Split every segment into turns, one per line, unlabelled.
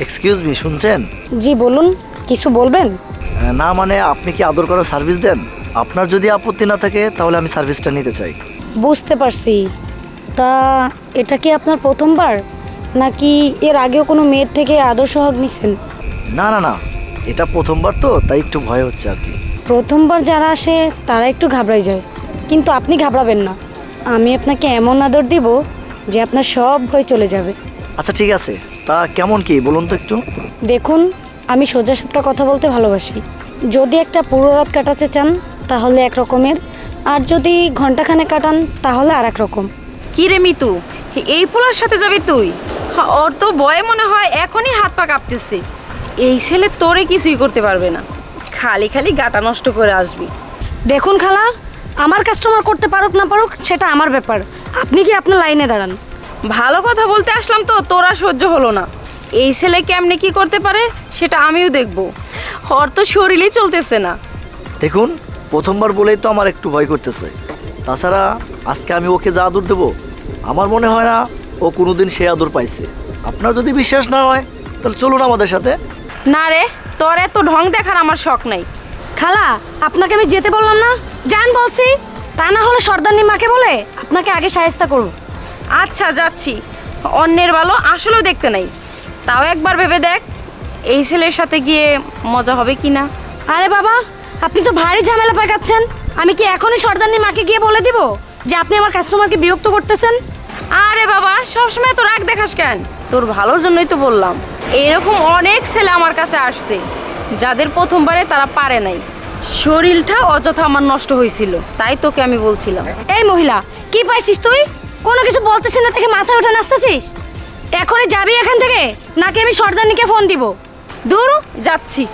Excuse me, শুনছেন?
জি বলুন, কিছু বলবেন?
না মানে আপনি কি আদর করার সার্ভিস দেন? আপনার যদি আপত্তি না থাকে তাহলে আমি সার্ভিসটা নিতে চাই।
বুঝতে পারছি। তা এটা কি আপনার প্রথমবার, নাকি এর আগেও কোনো মেয়ের থেকে আদর সোহাগ নিছেন?
না না না, এটা প্রথমবার তো, তাই একটু ভয় হচ্ছে আর কি।
প্রথমবার যারা আসে তারা একটু ঘাবড়াই যায়, কিন্তু আপনি ঘাবড়াবেন না। আমি আপনাকে এমন আদর দিব যে আপনার সব ভয় চলে যাবে।
আচ্ছা ঠিক আছে, তা কেমন কি বলুন তো একটু।
দেখুন, আমি সোজা সাপটা কথা বলতে ভালোবাসি। যদি একটা পুরো রাত কাটাতে চান তাহলে এক রকমের, আর যদি ঘন্টাখানে কাটান তাহলে আর এক রকম।
কি রে মিতু, এই পোলার সাথে যাবি তুই? ওর তো ভয়ে মনে হয় এখনই হাত পা কাঁপতেছে। এই ছেলে তোরে কিছুই করতে পারবে না, খালি খালি গাটা নষ্ট করে আসবি।
দেখুন খালা, আমার কাস্টমার করতে পারুক না পারুক সেটা আমার ব্যাপার। আপনি কি আপনার লাইনে দাঁড়ান।
ভালো কথা বলতে আসলাম তো তোরা সহ্য হলো না। এই ছেলে কেমনে কি করতে পারে সেটা আমিও দেখব। ওর তো শরীরই চলতেছে না।
দেখুন, প্রথমবার বলেই তো আমার একটু ভয় করতেছে। তাছাড়া আজকে আমি ওকে যা আদর দেবো, আমার মনে হয় না ও কোনোদিন সে আদর পাইছে। আপনার যদি বিশ্বাস না হয় তাহলে চলুন আমাদের সাথে।
না রে, তোর এত ঢং দেখার আমার শখ নাই।
খালা, আপনাকে আমি যেতে বললাম না, যান বলছি। তা না হলে সর্দারনি মাকে বলে আপনাকে আগে সাহেস্তা করব।
আচ্ছা যাচ্ছি। অন্যের ভালো আসলেও দেখতে নাই, তাও একবার ভেবে দেখ এই ছেলের সাথে গিয়ে মজা হবে কি না।
আরে বাবা, আপনি তো ভারী ঝামেলা পাকাচ্ছেন। আমি কি এখনই সর্দারনি মাকে গিয়ে বলে দিব যে আপনি আমার কাস্টমারকে বিরক্ত করতেছেন?
আরে বাবা, সবসময় তো রাগ দেখাস কেন? তোর ভালোর জন্যই তো বললাম। এইরকম অনেক ছেলে আমার কাছে আসছে যাদের প্রথমবারে তারা পারে নাই। শরীরটা অযথা আমার নষ্ট হয়েছিল, তাই তোকে আমি বলছিলাম।
এই মহিলা, কি পাইছিস তুই? কোনো কিছু বলতেছিস না থেকে মাথায় উঠে নাচতেছিস? এখনই যাবি এখান থেকে, নাকি আমি সর্দারনিকে ফোন দিব?
দূর যাচ্ছি।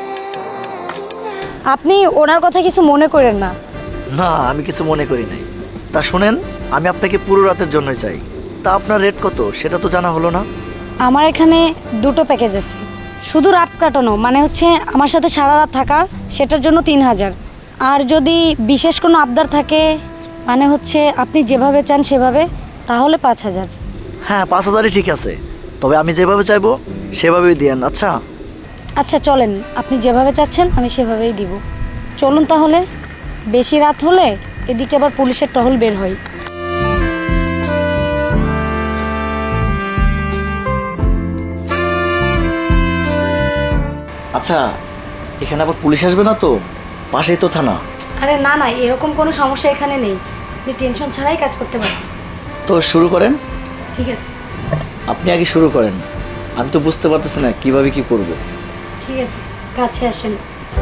আপনি ওনার কথা কিছু মনে করেন না।
না, আমি কিছু মনে করি নাই। তা শুনেন, আমি আপনাকে পুরো রাতের জন্যই চাই। তা আপনার রেট কত সেটা তো জানা হলো না।
আমার এখানে দুটো প্যাকেজ আছে। শুধু রাত কাটানো মানে হচ্ছে আমার সাথে সারা রাত থাকা, সেটার জন্য 3000। আর যদি বিশেষ কোনো আবদার থাকে মানে হচ্ছে আপনি যেভাবে চান সেভাবে, তাহলে 5000।
হ্যাঁ, 5000ই ঠিক আছে। তবে আমি যেভাবে চাইবো সেভাবেই দিয়েন। আচ্ছা
আচ্ছা চলেন, আপনি যেভাবে চাচ্ছেন আমি সেভাবেই দিব। চলুন তাহলে। বেশি রাত হলে এদিকে আবার পুলিশের টহল বের হয়।
আচ্ছা, এখানে আবার পুলিশ আসবে না তো? পাশেই তো থানা।
আরে না না, এরকম কোনো সমস্যা এখানে নেই। আপনি টেনশন ছাড়াই কাজ করতে পারেন।
তো শুরু করেন।
ঠিক আছে।
আপনি আগে শুরু করেন, আমি তো বুঝতে পারতেছি না কিভাবে কি করব।
ঠিক আছে, কাছে আসেন।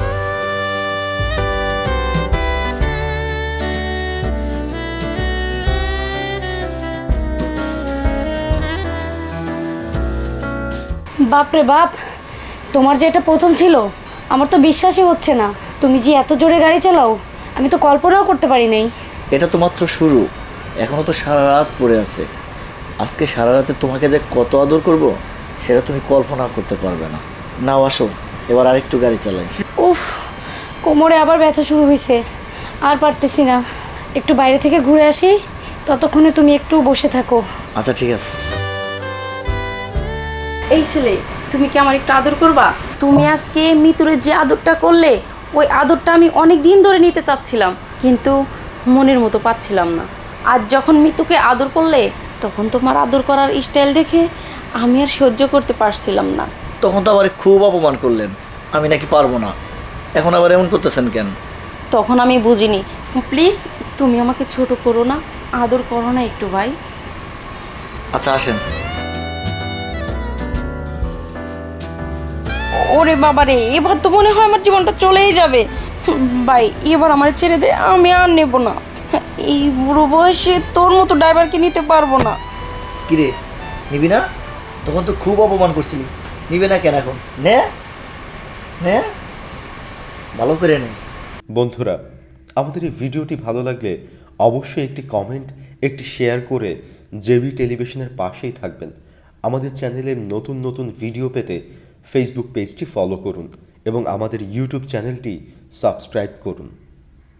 বাপরে বাপ, তোমার যে এটা প্রথম ছিল আমার তো বিশ্বাসই হচ্ছে না। তুমি যে এত জোরে গাড়ি চালাও আমি তো কল্পনাও করতে পারি নাই।
এটা তো মাত্র শুরু, এখনো তো সারা রাত পড়ে আছে। আজকে সারা রাতে তোমাকে যে কত আদর করব সেটা তুমি কল্পনা করতে পারবে না। নাও আসো, এবার আরেকটু গাড়ি চালাই।
উফ, কোমরে আবার ব্যথা শুরু হয়েছে, আর পারতেছি না। একটু বাইরে থেকে ঘুরে আসি, ততক্ষণে তুমি একটু বসে থাকো।
আচ্ছা ঠিক আছে।
এই ছেলে, তুমি কি আমার একটু আদর করবা? তুমি আজকে মিতুরে যে আদরটা করলে, ওই আদরটা আমি অনেক দিন ধরে নিতে চাচ্ছিলাম, কিন্তু মনের মতো পাচ্ছিলাম না। আজ যখন মিতুকে আদর করলে তখন তোমার আদর করার স্টাইল দেখে আমি আর সহ্য করতে পারছিলাম না।
তখন তো আবার খুব অপমান করলেন, আমি নাকি পারবো না। এখন আবার এমন করতেছেন কেন?
তখন আমি বুঝিনি। প্লিজ তুমি আমাকে ছোট করো না, আদর করো না একটু ভাই।
আচ্ছা আসেন।
ওরে বাবারে, এবার তো মনে হয় আমার জীবনটা চলেই যাবে। ভাই এবার আমার ছেড়ে দে, আমি আর নেব না। এই বুড়ো বয়সে তোর মতো ড্রাইভারকে নিতে পারবো না।
কিরে, নিবি না? তখন তো খুব অপমান করছিলি, নিবে না কেন এখন? নে নে, ভালো করে নে।
বন্ধুরা, আমাদের এই ভিডিওটি ভালো লাগলে অবশ্যই একটি কমেন্ট, একটি শেয়ার করে জেবি টেলিভিশনের পাশেই থাকবেন। আমাদের চ্যানেলের নতুন নতুন ভিডিও পেতে ফেসবুক পেজটি ফলো করুন এবং আমাদের ইউটিউব চ্যানেলটি সাবস্ক্রাইব করুন।